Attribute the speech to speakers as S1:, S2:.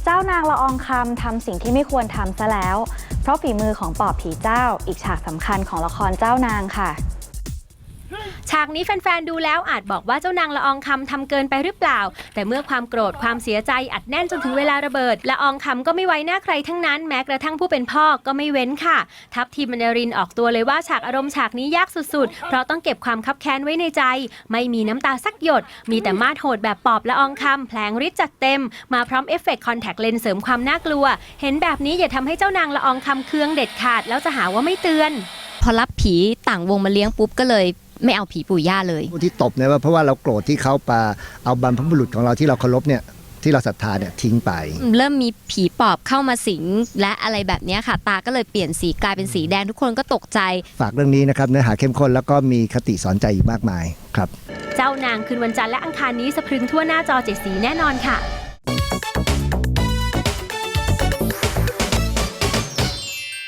S1: จ้านางละอองคำทำสิ่งที่ไม่ควรทำซะแล้วเพราะฝีมือของปอบผีเจ้าอีกฉากสำคัญของละครเจ้านางค่ะ
S2: ฉากนี้แฟนๆดูแล้วอาจบอกว่าเจ้านางละอองคำทำเกินไปหรือเปล่าแต่เมื่อความโกรธความเสียใจอัดแน่นจนถึงเวลาระเบิดละอองคำก็ไม่ไว้หน้าใครทั้งนั้นแม้กระทั่งผู้เป็นพ่อก็ไม่เว้นค่ะทัพทีมบรรณรินออกตัวเลยว่าฉากอารมณ์ฉากนี้ยากสุดๆเพราะต้องเก็บความคับแค้นไว้ในใจไม่มีน้ำตาสักหยดมีแต่มาดโหดแบบปอบละอองคำแผลงฤทธิ์จัดเต็มมาพร้อมเอฟเฟกต์คอนแทคเลนส์เสริมความน่ากลัวเห็นแบบนี้อย่าทำให้เจ้านางละอองคำเคืองเด็ดขาดแล้วจะหาว่าไม่เตือน
S3: พอรับผีต่างวงมาเลี้ยงปุ๊บก็เลยไม่เอาผีปู่ย่าเลย
S4: ผู้ที่ตบเนี่ยว่าเพราะว่าเราโกรธที่เขาปาเอาบรรพบุรุษของเราที่เราเคารพเนี่ยที่เราศรัทธาเนี่ยทิ้งไป
S3: เริ่มมีผีปอบเข้ามาสิงและอะไรแบบนี้ค่ะตาก็เลยเปลี่ยนสีกลายเป็นสีแดงทุกคนก็ตกใจ
S4: ฝากเรื่องนี้นะครับเนื้อหาเข้มข้นแล้วก็มีคติสอนใจอีกมากมายครับ
S2: เจ้านางคืนวันจันทร์และอังคารนี้สะพรึงทั่วหน้าจอ7 สีแน่นอนค่ะ